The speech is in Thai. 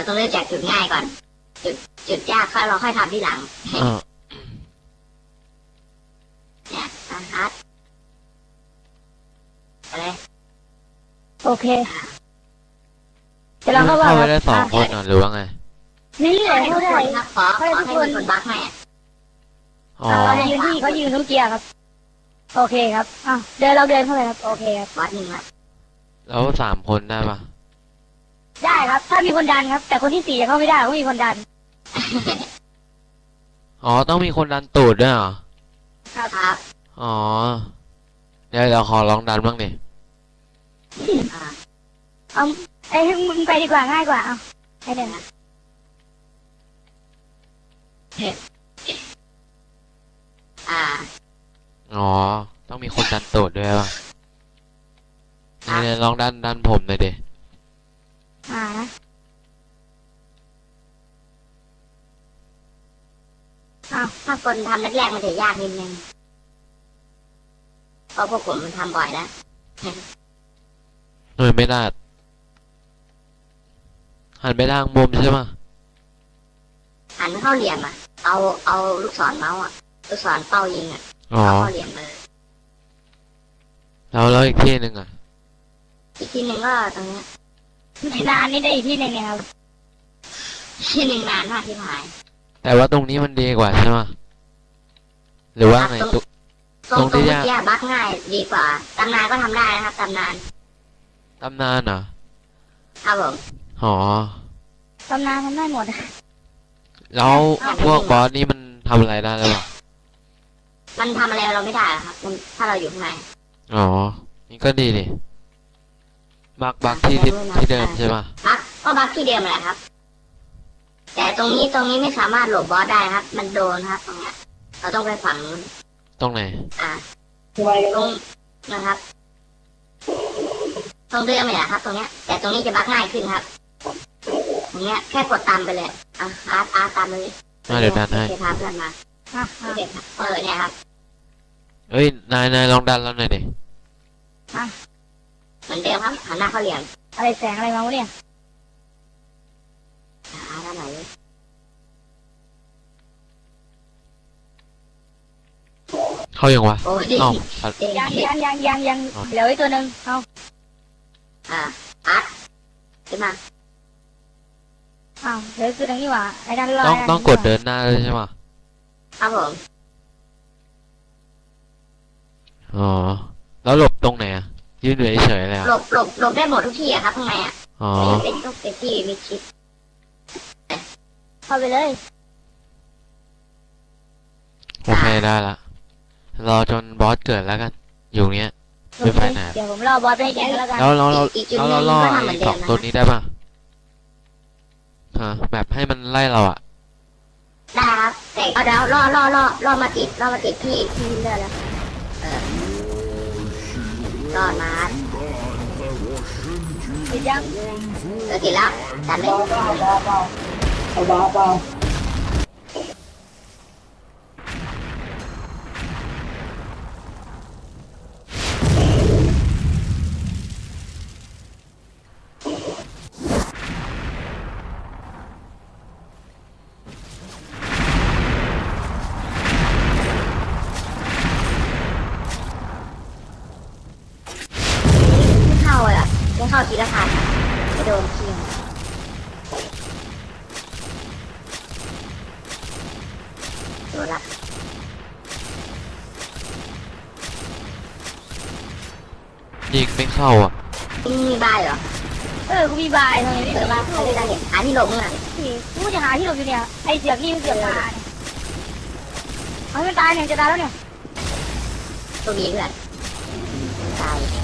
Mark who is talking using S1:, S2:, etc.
S1: ต้องเริ่มจากจุดง่ายก่อน จุดยากเราค่อยทำที่หลังเนี่ยฮัทอะไร
S2: โอเคจะลองเข้า
S3: ไปได้2 คนหรือว่าไง
S2: นี่เลยเข้าได้
S1: ครับขอให้คนบักให้
S2: เราจะยืนที่เขายืนทุกเกียร์ครับโอเคครับเดินเราเดินเข้าไปครับโอเคครับ
S1: วัดหนึ่งครับ
S3: แล้ว3 คนได้ปะ
S2: ได้ครับถ้ามีคนดันครับแต่คนที่4จะเข้าไม่ได้ต้องมีคนดัน
S3: ต้องมีคนดันตูดด้วยเหรอ
S1: ครับ
S3: เดี๋ยวเราขอลองดันบ้างดิ
S2: ให้มึงไปดีกว่าง่ายกว่าให้เดิน
S3: ต้องมีคนดันตูดด้วยป่ะเนี่ยลองดันผมเลยดิ
S1: ถ้าคนทำแรกๆมันจะยากนิดนึงเพราะพวกผมมันทำบ่อยแล้ว
S3: ไม่ได้หันไปทางมุมใช่ไหม
S1: หันเข้าเหลี่ยมเอาลูกศรเมาส์ลูกศรเป้ายิงเข้าเหลี่ยมเลย
S3: แล้วอีกที่หนึ่ง
S1: อีกที่หนึ่งก็ตรงนี้
S2: นานนี่ได้อีกที่หนึ่งเนี่ยครับ
S1: ที่หนึ่งนานมากที่หาย
S3: แต่ว่าตรงนี้มันดีกว่าใช่ไหมหรือว่าไง
S1: ตรงที่ยากบักง่ายดีกว่าตำนานก็ทำได้นะครับตำนาน
S3: เหรอ
S1: ครับผม
S2: ตำนานทำได้หมด
S3: แล้วพวกบอสนี่มันทำอะไรได้หรือเปล่า
S1: มันทำอะไรเราไม่ได้ครับถ้าเราอยู่ข้างใน
S3: นี่ก็ดีดิบักที่เดิมใช่ป่ะ
S1: ก็บักที่เดิมแหละครับแต่ตรงนี้ไม่สามารถหลบบอสได้ครับมันโดนครับตรงนี้เราต้องไปฝั่งนู้น
S3: ตรงไหน
S1: ตรงนะครับตรงเดิมเลยครับตรงนี้แต่ตรงนี้จะบักง่ายขึ้นครับตรงนี้แค่กดตามไปเลยตามเลย
S3: เดี๋ยวดันให้
S1: พาเพื่อนมาเนี่ยครับ
S3: นายลองดันแล้วหน่อยดิ
S1: เหมือนเดิมครับหันหน้าเข้าเหลี่ยม
S2: อะไรแสงอะไรมาวะเนี่ย
S1: ด้านไหน
S3: เข้ายังวะ
S2: ยังเหลือไว้ตัวหนึ่ง
S1: ขึ้นมา
S2: เหลือตัวหนึ่งนี่หว่าไอ้ด้าน
S3: ล่างต้องกดเดินหน้าเลยใช่ไหม
S1: ครับผม
S3: แล้วหลบตรงไหนยืนเฉยเลย
S1: หลบได้หมดทุกที่ครับข้างในเป็นทุกที่มีชิป
S2: เข้าไปเลย
S3: โอเคได้ละรอจนบอสเกิดแล้วกันอยู่เนี้ยไม่ไปไหน
S2: เดี๋ยวผมรอบอสไปแกแล้วกัน
S3: แล้วเราล่อ2 ตัวนี้ได้ป่ะแบบให้มันไล่เรา
S1: ได้ครับแต่เอาเดี๋ยวล่อมาติดที่เลือดแล้วล่อมา
S2: ติดยัง
S1: ติดแล้วตัดเลยเข้าทีละพันไปโดนเคียงโดนละ
S3: ยิงไม่เข้า
S1: มีบายเหรอ
S2: กูมีบายทำไมไม่เกิดบ้าง
S1: ใครจะเห็นหาที่หลบมึง
S2: กูจะหาที่หลบอยู่เนี่ยไอเสือกนี่มันเสือกตายมันตายเนี่ยจะตายแล้วเนี่ย
S1: ตัวนี้เพื่อนตาย